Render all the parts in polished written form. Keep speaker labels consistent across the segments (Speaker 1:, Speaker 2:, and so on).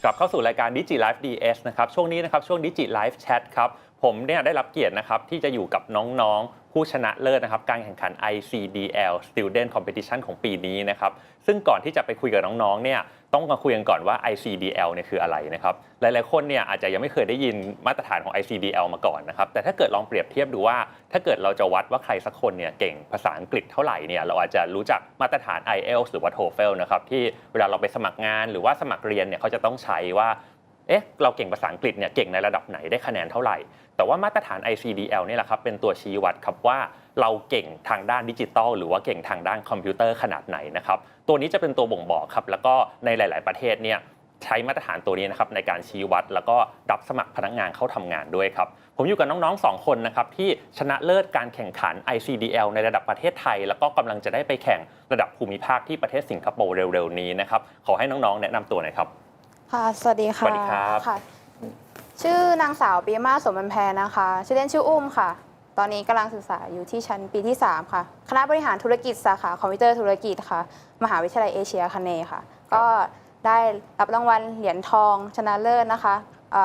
Speaker 1: กลับเข้าสู่รายการ Digi Live DS นะครับช่วงนี้นะครับช่วง Digi Live Chat ครับผมเนี่ยได้รับเกียรตินะครับที่จะอยู่กับน้องๆผู้ชนะเลิศนะครับการแข่งขัน ICDL Student Competition ของปีนี้นะครับซึ่งก่อนที่จะไปคุยกับน้องๆเนี่ยต้องมาคุยกันก่อนว่า ICDL เนี่ยคืออะไรนะครับหลายๆคนเนี่ยอาจจะยังไม่เคยได้ยินมาตรฐานของ ICDL มาก่อนนะครับแต่ถ้าเกิดลองเปรียบเทียบดูว่าถ้าเกิดเราจะวัดว่าใครสักคนเนี่ยเก่งภาษาอังกฤษเท่าไหร่เนี่ยเราอาจจะรู้จักมาตรฐาน IELTS หรือว่า TOEFL นะครับที่เวลาเราไปสมัครงานหรือว่าสมัครเรียนเนี่ยเขาจะต้องใช้ว่าเราเก่งภาษาอังกฤษเนี่ยเก่งในระดับไหนได้คะแนนเท่าไหร่แต่ว่ามาตรฐาน ICDL นี่แหละครับเป็นตัวชี้วัดครับว่าเราเก่งทางด้านดิจิทัลหรือว่าเก่งทางด้านคอมพิวเตอร์ขนาดไหนนะครับตัวนี้จะเป็นตัวบ่งบอกครับแล้วก็ในหลายๆประเทศเนี่ยใช้มาตรฐานตัวนี้นะครับในการชี้วัดแล้วก็รับสมัครพนักงานเข้าทำงานด้วยครับผมอยู่กับน้องๆ2คนนะครับที่ชนะเลิศการแข่งขัน ICDL ในระดับประเทศไทยแล้วก็กำลังจะได้ไปแข่งระดับภูมิภาคที่ประเทศสิงคโปร์เร็วๆนี้นะครับขอให้น้องๆแนะนำตัวหน่อยครับ
Speaker 2: ค่ะสวัสดีค่ะ
Speaker 1: สวัสดีครับ
Speaker 2: ค่ะชื่อนางสาวปีมาสมบันแพรนะคะชื่อเล่นชื่ออุ้มค่ะตอนนี้กำลังศึกษาอยู่ที่ชั้นปีที่3ค่ะคณะบริหารธุรกิจสาขาคอมพิวเตอร์ธุรกิจค่ะมหาวิทยาลัยเอเชียคเนย์ค่ะก็ได้รับรางวัลเหรียญทองชนะเลิศนะคะ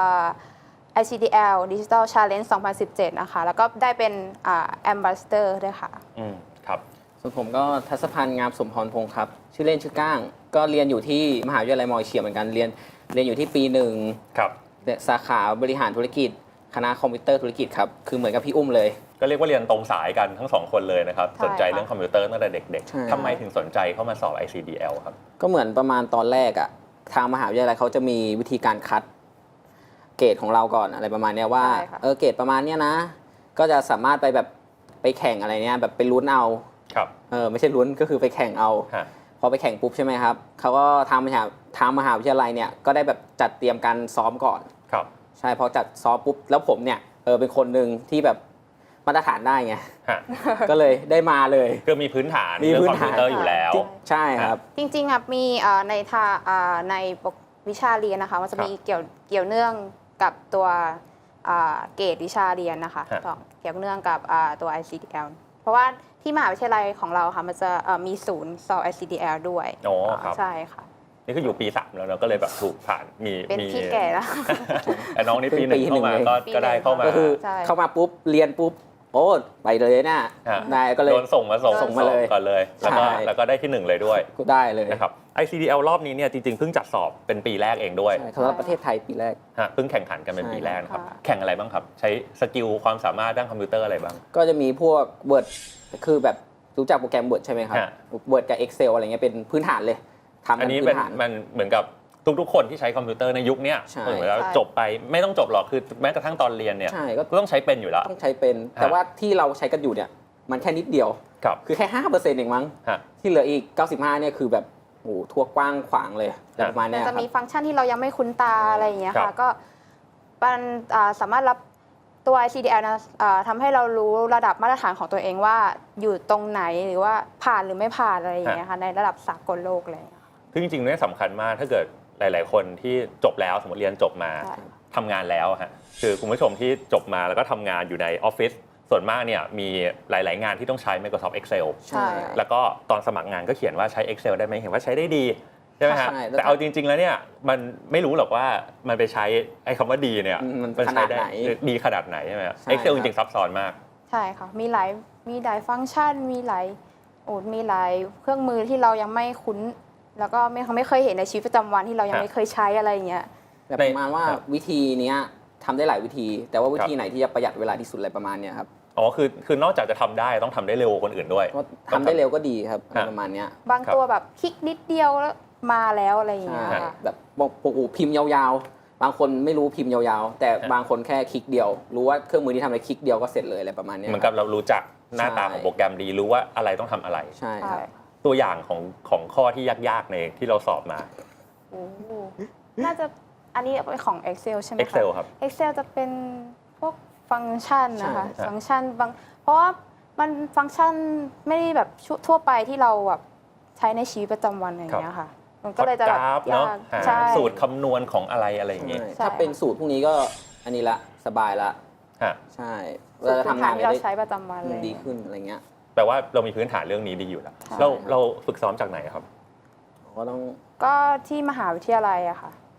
Speaker 2: ICDL Digital Challenge 2017นะคะแล้วก็ได้เป็นAmbassador ด้วยค่ะ
Speaker 1: ครับ
Speaker 3: ส่วนผมก็ทัศพันธ์งามสมพรพงศ์ครับชื่อเล่นชื่อก้างก็เรียนอยู่ที่มหาวิทยาลัยมอเชียเหมือนกันเรียนอยู่ที่ปี1
Speaker 1: ครับ
Speaker 3: สาขาบริหารธุรกิจคณะคอมพิวเตอร์ธุรกิจครับคือเหมือนกับพี่อุ้มเลย
Speaker 1: ก็เรียกว่าเรียนตรงสายกันทั้ง2คนเลยนะครับสนใจเรื่องคอมพิวเตอร์ตั้งแต่เด็กๆทำไมถึงสนใจเข้ามาสอบ ICDL ครับ
Speaker 3: ก็เหมือนประมาณตอนแรกอะทางมหาวิทยาลัยเขาจะมีวิธีการคัดเกรดของเราก่อนอะไรประมาณนี้ว่าเกรดประมาณนี้นะก็จะสามารถไปแข่งอะไรเนี้ยแบบไปลุ้นเอา
Speaker 1: ครับ
Speaker 3: ไม่ใช่ลุ้นก็คือไปแข่งเอาพอไปแข่งปุ๊บใช่ไหมครับเขาก็ทางมหาวิทยาลัยเนี่ยก็ได้แบบจัดเตรียมการซ้อมก่อน
Speaker 1: ครับ
Speaker 3: ใช่พอจัดซ้อมปุ๊บแล้วผมเนี่ยเป็นคนหนึ่งที่แบบมาตรฐานได้ไงก็เลยได้มาเลย
Speaker 1: ก็มีพื้นฐานเรื่องคอมพิวเตอร์อยู่แล้ว
Speaker 3: ใช่ครับ
Speaker 2: จริงๆครับมีในวิชาเรียนนะคะมันจะมีเกี่ยวเนื่องกับตัวเกรดวิชาเรียนนะคะเกี่ยวเนื่องกับตัว ICDL เพราะว่าที่มหาวิทยาลัยของเราค่ะมันจะมีศูนย์สอบ ICDL ด้วยใช่ค่ะ
Speaker 1: นี่คืออยู่ปี3แล้วเราก็เลยแบบถูกผ่าน
Speaker 2: เป็นพี่แก่แล้ว
Speaker 1: แต่น้องนี่ปี1เข้ามาก็ได้เข้ามา
Speaker 3: ก็คือเข้ามาปุ๊บเรียนปุ๊บโอ้ไปเลยนะได้ก็เลย
Speaker 1: โดนส่งมาเลยก่อนเลยแล้วก็ได้ที่1เลยด้วย
Speaker 3: ก็ได้เลย
Speaker 1: นะครับ ICDL รอบนี้เนี่ยจริงๆเพิ่งจัดสอบเป็นปีแรกเองด้วย
Speaker 3: สำหรับประเทศไทยปีแรก
Speaker 1: เพิ่งแข่งขันกันเป็นปีแรกครับแข่งอะไรบ้างครับใช้สกิลความสามารถด้านคอมพิวเตอร์อะไรบ้าง
Speaker 3: ก็จะมีพวก Word คือแบบรู้จักโปรแกรม Word ใช่ไหมครับ Word กับ Excel อะไรเงี้ยเป็นพื้นฐานเลย
Speaker 1: อันนี้มันเหมือนกับทุกๆคนที่ใช้คอมพิวเตอร์ในยุคนี้เหมือนแล้วจบไปไม่ต้องจบหรอกคือแม้กระทั่งตอนเรียนเนี่ยก็ต้องใช้เป็นอยู่แล้ว
Speaker 3: ต้องใช้เป็นแต่ว่าที่เราใช้กันอยู่เนี่ยมันแค่นิดเดียวคือแค่ 5% เองมั้งที่เหลืออีก95เนี่ยคือแบบโอ้ทั่วกว้างขวางเลยประมาณนี้
Speaker 2: จะมีฟังก์ชันที่เรายังไม่คุ้นตาอะไรอย่างเงี้ยค่ะก็มันสามารถรับตัว ICDL นะทำให้เรารู้ระดับมาตรฐานของตัวเองว่าอยู่ตรงไหนหรือว่าผ่านหรือไม่ผ่านอะไรอย่างเงี้ยค่ะในระดับสากลโลกเลย
Speaker 1: คือจริงๆเนี่ยสำคัญมากถ้าเกิดหลายๆคนที่จบแล้วสมมติเรียนจบมาทำงานแล้วฮะคือคุณผู้ชมที่จบมาแล้วก็ทำงานอยู่ในออฟฟิศส่วนมากเนี่ยมีหลายๆงานที่ต้องใช้ Microsoft Excel แล้วก็ตอนสมัครงานก็เขียนว่าใช้ Excel ได้ไหมเห็นว่าใช้ได้ดีใช่ไหมฮะแต่เอาจริงๆแล้วเนี่ยมันไม่รู้หรอกว่ามันไปใช้ไอ้คำว่าดีเนี่ย
Speaker 3: มันใช้ได้
Speaker 1: ดีขนาดไหนใช่ไหม Excel จริงๆซับซ้อนมาก
Speaker 2: ใช่ค่ะมีหลายฟังก์ชันมีหลายเครื่องมือที่เรายังไม่คุ้นแล้วก็ไม่เคยเห็นในชีวิตประจำวันที่เรายังไม่เคยใช้อะไรอย่างเงี้ย
Speaker 3: แบบประมาณว่าวิธีนี้ทำได้หลายวิธีแต่ว่าวิธีไหนที่จะประหยัดเวลาที่สุดอะไรประมาณนี้ครับ
Speaker 1: คือนอกจากจะทำได้ต้องทำได้เร็วคนอื่นด้วย
Speaker 3: ทำได้เร็วก็ดีครับประมาณนี้
Speaker 2: บางตัวแบบคลิกนิดเดียวแล้วมาแล้วอะไรอย่างเงี้ย
Speaker 3: แบบพิมพ์ยาวๆบางคนไม่รู้พิมพ์ยาวๆแต่บางคนแค่คลิกเดียวรู้ว่าเครื่องมือที่ทำอะไรคลิกเดียวก็เสร็จเลยอะไรประมาณนี้
Speaker 1: เหมือนกับเรารู้จักหน้าตาของโปรแกรมดีรู้ว่าอะไรต้องทำอะไร
Speaker 3: ใช่ครับ
Speaker 1: ตัวอย่างของข้อที่ยากๆในที่เราสอบมา
Speaker 2: น่าจะอันนี้ของ Excel ใช่ไหมคะ
Speaker 1: Excel ครับ
Speaker 2: Excel จะเป็นพวกฟังก์ชันนะคะฟังก์ชันบางเพราะว่ามันฟังก์ชันไม่ได้แบบทั่วไปที่เราแบบใช้ในชีวิตประจำวันอย่างเงี้ยค่ะมันก็เลยจะแบบ
Speaker 1: ยากสูตรคำนวณของอะไรอย่างเงี้ย
Speaker 3: ถ้าเป็นสูตรพวกนี้ก็อันนี้ละสบายละใช่
Speaker 2: เราทำงานที่เราใช้ประจำวันเลย
Speaker 3: ดีขึ้นอะไรเงี้ย
Speaker 1: แปลว่าเรามีพื้นฐานเรื่องนี้ดีอยู่แล้วเราฝึกซ้อมจากไหนครับ
Speaker 3: ก็
Speaker 2: ที่มหาวิทยาลัยอะค่ะ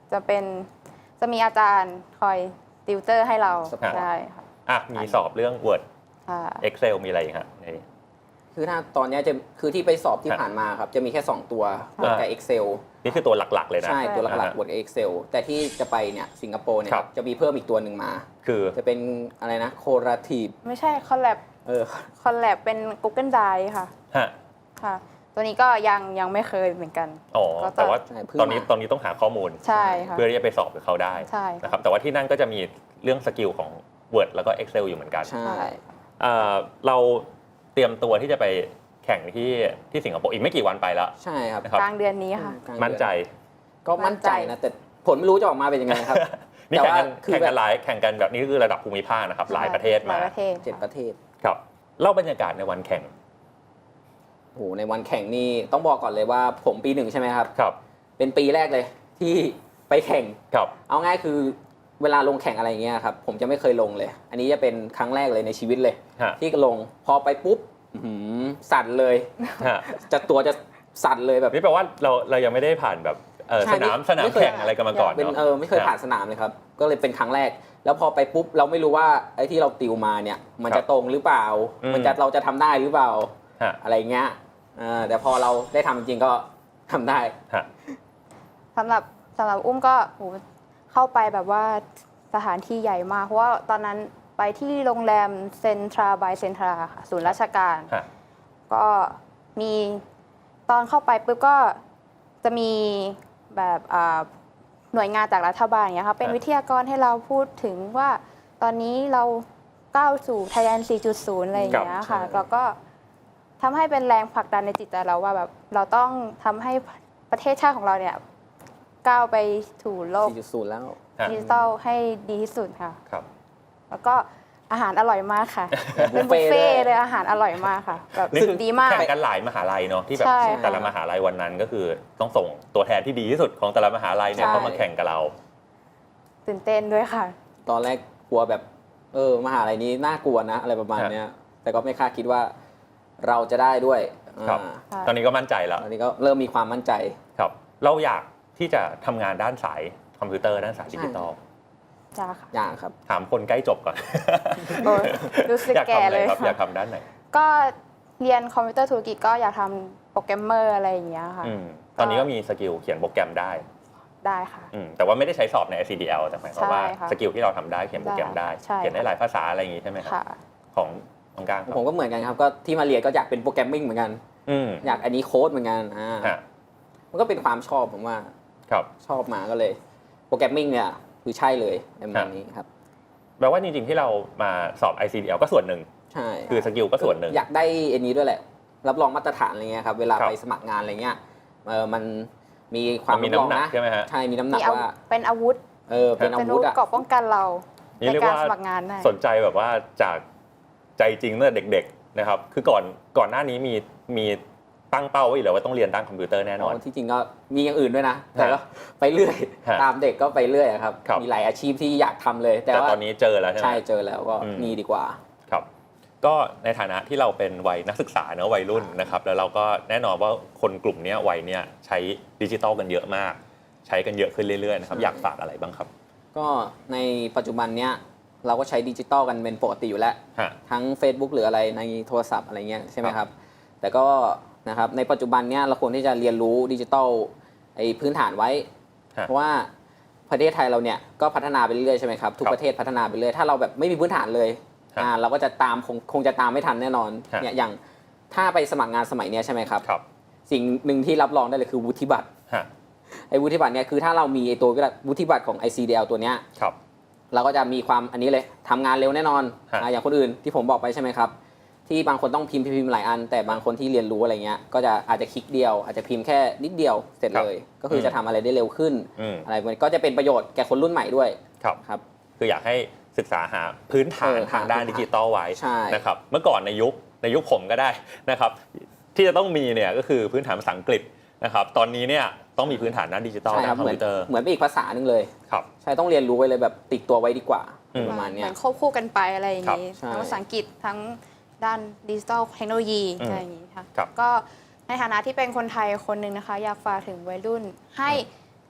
Speaker 2: จะมีอาจารย์คอยติวเตอร์ให้เรา
Speaker 3: support
Speaker 2: ใช่ค่ะ
Speaker 1: มีสอบเรื่อง Word
Speaker 2: ค่ะ
Speaker 1: Excel มีอะไรอีกฮะใน
Speaker 3: คือถ้าตอนเนี้ยคือที่ไปสอบที่ผ่านมาครับจะมีแค่2ตัว Word กับ Excel
Speaker 1: นี่คือตัวหลักๆเลยนะ
Speaker 3: ใช่ตัวหลัก
Speaker 1: อ่า
Speaker 3: ๆ Word กับ Excel แต่ที่จะไปเนี่ยสิงคโปร์เนี่ย
Speaker 1: ครับ
Speaker 3: จะมีเพิ่มอีกตัวหนึ่งมา
Speaker 1: คือ
Speaker 3: จะเป็นอะไรนะ Collaborative
Speaker 2: ไม่ใช่คอลแลบ คอลแลบเป็น Google Drive ค่ะ
Speaker 1: ฮะ
Speaker 2: ค่ะ ตัวนี้ก็ยังไม่เคยเหมือนกัน
Speaker 1: อ๋อ
Speaker 2: ก็
Speaker 1: แต่ว่า
Speaker 3: ใช่เพิ่ง
Speaker 1: ตอนนี้
Speaker 3: มา
Speaker 1: ต้องหาข้อมูล
Speaker 2: ใช่ค่ะ
Speaker 1: เพื่อที่จะไปสอบกับเขาได้
Speaker 2: ใช่ค่ะ
Speaker 1: นะครับแต่ว่าที่นั่นก็จะมีเรื่องสกิลของ Word แล้วก็ Excel อยู่เหมือนกัน
Speaker 3: ใช่
Speaker 2: ใช่
Speaker 1: เราเตรียมตัวที่จะไปแข่งที่สิงคโปร์อีกไม่กี่วันไปแล้ว
Speaker 3: ใช่ครับ
Speaker 1: นะครับ
Speaker 2: กลางเดือนนี้ค่ะ
Speaker 3: กลางเดือน
Speaker 1: มั่นใจ
Speaker 3: ก็มั่นใจนะ แต่ผลไม่รู้จะออกมาเป็นยังไงครับ
Speaker 1: นี่
Speaker 3: แต่
Speaker 1: แข่ง
Speaker 3: ว่า
Speaker 1: กัน
Speaker 3: คือ
Speaker 1: แข่ง
Speaker 3: แบ
Speaker 1: กับ นแข่งกันแบบนี้คือระดับภูมิภาคนะครับหลายประเทศ
Speaker 2: หลาม
Speaker 1: าย
Speaker 2: ประเทศ
Speaker 3: 7 ประเทศ
Speaker 1: ครับเล่าบรรยากาศในวันแข่ง
Speaker 3: โอ้โหในวันแข่งนี่ต้องบอกก่อนเลยว่าผมปี 1ใช่ไหมครับ
Speaker 1: ครับ
Speaker 3: เป็นปีแรกเลยที่ไปแข่ง
Speaker 1: ครับ
Speaker 3: เอาง่ายคือเวลาลงแข่งอะไรอย่างเงี้ยครับผมจะไม่เคยลงเลย อันนี้จะเป็นครั้งแรกเลยในชีวิตเลย
Speaker 1: ฮะ
Speaker 3: ที่ลงพอไปปุ๊บอื้อหือสั่นเลย
Speaker 1: ฮะ
Speaker 3: ตัวจะสั่นเลยแบบ
Speaker 1: นี่แปลว่าเรายังไม่ได้ผ่านแบบ
Speaker 3: ใช่
Speaker 1: สนาม
Speaker 3: ไม่เคย
Speaker 1: แข่งอะไรกันมาก่อน
Speaker 3: เป็น
Speaker 1: เนาะ
Speaker 3: ไม่เคยผ่านสนามเลยครับ ก็เลยเป็นครั้งแรก แล้วพอไปปุ๊บเราไม่รู้ว่าไอ้ที่เราติวมาเนี่ย มันจะตรงหรือเปล่า เราจะทำได้หรือเปล่า
Speaker 1: ฮะ
Speaker 3: อะไรเงี้ยแต่พอเราได้ทำจริงๆก็ทำได้
Speaker 1: ฮะ
Speaker 2: สำหรับอุ้มก็โหเข้าไปแบบว่าสถานที่ใหญ่มาก เพราะว่าตอนนั้นไปที่โรงแรมเซ็นทราบายเซ็นทราค่ะศูนย์ราชการ
Speaker 1: ฮะ
Speaker 2: ก็มีตอนเข้าไปปุ๊บก็จะมีแบบหน่วยงานจากรัฐบาลอย่างเงี้ยค่ะเป็นวิทยากรให้เราพูดถึงว่าตอนนี้เราก้าวสู่ Thailand 4.0 อะไรอย่างเงี้ยค่ะ
Speaker 3: ใช่
Speaker 2: แล้วก็ทำให้เป็นแรงผลักดันในจิตใจเราว่าแบบเราต้องทำให้ประเทศชาติของเราเนี่ยก้าวไปถูโลก
Speaker 3: 4.0 แล้ว
Speaker 1: ฮะ
Speaker 2: ดิจิทัลให้ดีที่สุดค่ะ
Speaker 1: ครับ
Speaker 2: แล้วก็อาหารอร่อยมากค่ะ เป็น
Speaker 3: บุ
Speaker 2: บุ
Speaker 3: ฟ
Speaker 2: ฟ
Speaker 3: เฟ่
Speaker 2: เฟ่
Speaker 3: ต์
Speaker 2: ต์เลยอาหารอร่อยมากค่ะแบบ
Speaker 1: นี่
Speaker 2: สุด
Speaker 1: คือ
Speaker 2: ดีมาก
Speaker 1: แข่งกันหลายมหาลัยเนาะที่แบบ
Speaker 2: ใช่
Speaker 1: แต่ละมหาลัยวันนั้นก็คือต้องส่งตัวแทนที่ดีที่สุดของแต่ละมหาลัยเนี่ย
Speaker 2: ใช่
Speaker 1: เข้ามาแข่งกับเรา
Speaker 2: ตื่นเต้นด้วยค่ะ
Speaker 3: ตอนแรกกลัวแบบมหาลัยนี้น่ากลัวนะอะไรประมาณเนี้ยแต่ก็ไม่คาดคิดว่าเราจะได้ด้วย
Speaker 1: ครับ
Speaker 2: ค่ะ
Speaker 1: ตอนนี้ก็มั่นใจแล้ว
Speaker 3: ตอนนี้ก็เริ่มมีความมั่นใจ
Speaker 1: ครับเราอยากที่จะทำงานด้านสายคอมพิวเตอร์ด้านสายดิจิตอล
Speaker 2: จ้าค่ะ
Speaker 3: อย่างครับ
Speaker 1: ถามคนใกล้จบก่อน
Speaker 2: โอ้ยรู้สึก
Speaker 1: อยาก
Speaker 2: แก่
Speaker 1: ทำอะไร
Speaker 2: เลย
Speaker 1: ครับ
Speaker 2: ค่ะ
Speaker 1: อยากทำด้านไหน
Speaker 2: ก็เรียนคอมพิวเตอร์ธุรกิจก็อยากทำโปรแกรมเมอร์อะไรอย่างเงี้ยค่ะ
Speaker 1: ตอนนี้ก็มีสกิลเขียนโปรแกรมได้
Speaker 2: ได้ค่ะ
Speaker 1: แต่ว่าไม่ได้ใช้สอบใน SCDL แต่หมายความว่า
Speaker 2: ใช่ค่ะ
Speaker 1: สกิลที่เราทำได้เขียนโปรแกรมได้
Speaker 2: ใช่
Speaker 1: เขียนได้หลายภาษาอะไรอย่างงี้ใช่ไหมครับ
Speaker 2: ค่ะ
Speaker 1: ของน้องก้างครับ
Speaker 3: ผมก็เหมือนกันครับก็ที่มาเรียนก็อยากเป็นโปรแกรมมิ่งเหมือนกัน
Speaker 1: อืม
Speaker 3: อยากอันนี้โค้ดเหมือนกัน
Speaker 1: ฮะ
Speaker 3: มันก็เป็นความชอบผมว่า
Speaker 1: ครับ
Speaker 3: ชอบมาก็เลย โปรแกรมมิ่งเนี่ยคือใช่เลยในประมาณนี้ครับ
Speaker 1: แปลว่าจริงๆที่เรามาสอบ ICDL ก็ส่วนหนึ่ง
Speaker 3: ใช่
Speaker 1: คือสกิลก็ส่วนหนึ่ง
Speaker 3: อยากได้อันนี้ด้วยแหละ รับรองมาตรฐานอะไรเงี้ยครับเวลา
Speaker 1: ครับ
Speaker 3: ไปสมัครงานอะไรเงี้ยมันมีความ
Speaker 1: มันมี
Speaker 3: รับรอง
Speaker 1: น้ำหนัก
Speaker 3: นะ
Speaker 1: ใช่ไหมฮะ
Speaker 3: ใช่มีน้ำหนั
Speaker 2: มี
Speaker 3: กว่า
Speaker 2: เป็นอาวุธ
Speaker 3: เป็นอา
Speaker 2: เป็นอา
Speaker 3: วุ
Speaker 2: วุ
Speaker 3: ธ
Speaker 2: ธ
Speaker 3: อะ
Speaker 2: เกราะป้องกันเรา
Speaker 1: นี่
Speaker 2: ใน
Speaker 1: เรียก
Speaker 2: การ
Speaker 1: ว่า
Speaker 2: สมัครงานได้
Speaker 1: สนใจแบบว่าจากใจจริงตั้งแต่เด็กๆนะครับคือก่อนหน้านี้มีตั้งเป้าไว้อยู่แล้วว่าต้องเรียนด้านคอมพิวเตอร์แน่นอน
Speaker 3: ที่จริงก็มีอย่างอื่นด้วยนะ แต่ก็ไปเรื่อย
Speaker 1: ฮะ
Speaker 3: ตามเด็กก็ไปเรื่อยอะครับ
Speaker 1: ครับ
Speaker 3: มีหลายอาชีพที่อยากทำเลย แต่
Speaker 1: แต่
Speaker 3: ว่า
Speaker 1: ตอนนี้เจอแล้วใช่ไหม
Speaker 3: ใช่เจอแล้วก็
Speaker 1: อืม
Speaker 3: นี่ดีกว่า
Speaker 1: ครับก็ในฐานะที่เราเป็นวัยนักศึกษาเนอะวัยรุ่นนะครับแล้วเราก็แน่นอนว่าคนกลุ่มเนี้ยวัยเนี้ยใช้ดิจิตอลกันเยอะมาก ใช้กันเยอะขึ้นเรื่อยๆนะครับ
Speaker 3: ใช่
Speaker 1: อยากฝากอะไรบ้างครับ
Speaker 3: ก็ในปัจจุบันเนี้ยเราก็ใช้ดิจิตอลกันเป็นปกติอยู่แล้ว
Speaker 1: ฮะ
Speaker 3: ทั้ง Facebook หรืออะไรในโทรศัพท์อะไรเงี้ยใช่ไหม
Speaker 1: ค
Speaker 3: ค
Speaker 1: รั
Speaker 3: รับ บแต่ก็นะครับในปัจจุบันเนี้ยเราควรที่จะเรียนรู้ดิจิตอลไอ้พื้นฐานไว้
Speaker 1: ฮะ
Speaker 3: เพราะว่าประเทศไทยเราเนี่ยก็พัฒนาไปเรื่อยๆใช่ไหมครับทุก
Speaker 1: ครับ
Speaker 3: ประเทศพัฒนาไปเรื่อยถ้าเราแบบไม่มีพื้นฐานเลย
Speaker 1: ฮะ
Speaker 3: เราก็จะตามคงจะตามไม่ทันแน่นอน
Speaker 1: ฮะ
Speaker 3: เนี่ยอย่างถ้าไปสมัครงานสมัยเนี้ยใช่ไหมครับ
Speaker 1: ครับ
Speaker 3: สิ่งหนึ่งที่รับรองได้เลยคือวุฒิบัตร
Speaker 1: ฮะ
Speaker 3: ไอ้วุฒิบัตรเนี่ยคือถ้าเรามีไอ้ตัววุฒิบัตรของ ICDL ตัวเนี้ย
Speaker 1: ครับ
Speaker 3: เราก็จะมีความอันนี้เลยทำงานเร็วแน่นอน
Speaker 1: ฮะ
Speaker 3: อย่างคนอื่นที่ผมบอกไปใช่ไหมครับที่บางคนต้องพิมพ์หลายอัน แต่บางคนที่เรียนรู้อะไรเงี้ยก็จะอาจจะคลิกเดียว อาจจะพิมพ์แค่นิดเดียวเสร็จเลย ก็คือจะทำอะไรได้เร็วขึ้น
Speaker 1: อืม
Speaker 3: อะไรมันก็จะเป็นประโยชน์แก่คนรุ่นใหม่ด้วย
Speaker 1: ครับ
Speaker 3: ครับ
Speaker 1: คืออยากให้ศึกษาหาพื้นฐานทางด้านดิจิตอลไว้
Speaker 3: ใช่
Speaker 1: นะครับเมื่อก่อนในยุคผมก็ได้นะครับที่จะต้องมีเนี่ยก็คือพื้นฐานภาษาอังกฤษนะครับตอนนี้เนี่ยต้องมีพื้นฐานด้านดิจิตอล
Speaker 3: ใช่ค
Speaker 1: ด้า
Speaker 3: รั
Speaker 1: น
Speaker 3: บ
Speaker 1: คอม
Speaker 3: เหมือน
Speaker 1: พิวเตอร์
Speaker 3: เหมือนเป็นอีกภาษาหนึ่งเลย
Speaker 1: ครับ
Speaker 3: ใช่ต้องเรียนรู้ไว้เลยแบบติดตัวไว้ดีกว่า
Speaker 1: อืม
Speaker 3: ประมาณ
Speaker 2: เห
Speaker 3: เนี้
Speaker 2: มื
Speaker 3: ย
Speaker 2: อนควบคู่กันไปอะไรอย่างนี้
Speaker 3: ครับใช่
Speaker 2: ทั้งภาษาอังกฤษทั้งด้านดิจิทัลเทคโนโลยี
Speaker 1: อืม
Speaker 2: อะไรอย่างนี้ค่ะ
Speaker 1: ครับ
Speaker 2: ก็ในฐานะที่เป็นคนไทยคนหนึ่งนะคะ อยากฝากถึงวัยรุ่นให้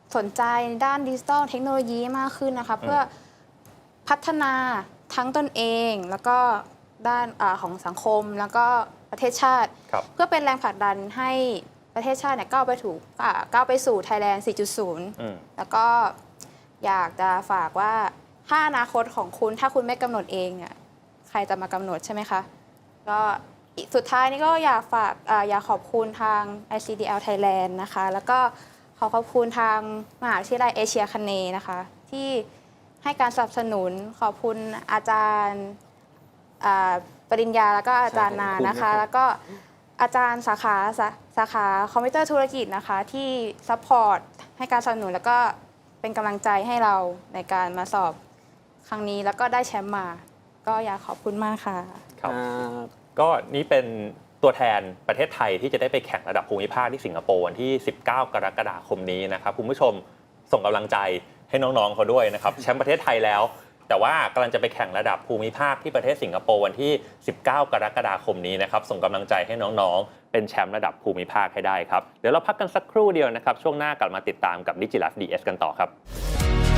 Speaker 2: สนใจด้านดิจิทัลเทคโนโลยีมากขึ้นนะคะเพื่อพัฒนาทั้งตนเองแล้วก็ด้านของสังคมแล้วก็ประเทศชาติเพื่อเป็นแรงผลักดันให้ประเทศชาติเนี่ยก้าวไปสู่ Thailand 4.0 แล้วก็อยากจะฝากว่าถ้าอนาคตของคุณถ้าคุณไม่กำหนดเองเนี่ยใครจะมากำหนดใช่ไหมคะก็สุดท้ายนี้ก็อยากขอบคุณทาง ICDL Thailand นะคะแล้วก็ขอบคุณทางมหาวิทยาลัยเอเชียคเนย์นะคะที่ให้การสนับสนุนขอบคุณอาจารย์ปริญญาแล้วก็อาจารย์นานะคะแล้วก็อาจารย์สาขาคอมพิวเตอร์ธุรกิจนะคะที่ซัพพอร์ตให้การสนับสนุนแล้วก็เป็นกำลังใจให้เราในการมาสอบครั้งนี้แล้วก็ได้แชมป์มาก็อยากขอบคุณมากค่ะ
Speaker 1: ครับก็นี่เป็นตัวแทนประเทศไทยที่จะได้ไปแข่งระดับภูมิภาคที่สิงคโปร์วันที่19กรกฎาคมนี้นะครับคุณผู้ชมส่งกำลังใจให้น้องๆเขาด้วยนะครับแชมป์ประเทศไทยแล้วแต่ว่ากำลังจะไปแข่งระดับภูมิภาคที่ประเทศสิงคโปร์วันที่19กรกฎาคมนี้นะครับส่งกำลังใจให้น้องๆเป็นแชมป์ระดับภูมิภาคให้ได้ครับเดี๋ยวเราพักกันสักครู่เดียวนะครับช่วงหน้ากลับมาติดตามกับ DigiLife DS กันต่อครับ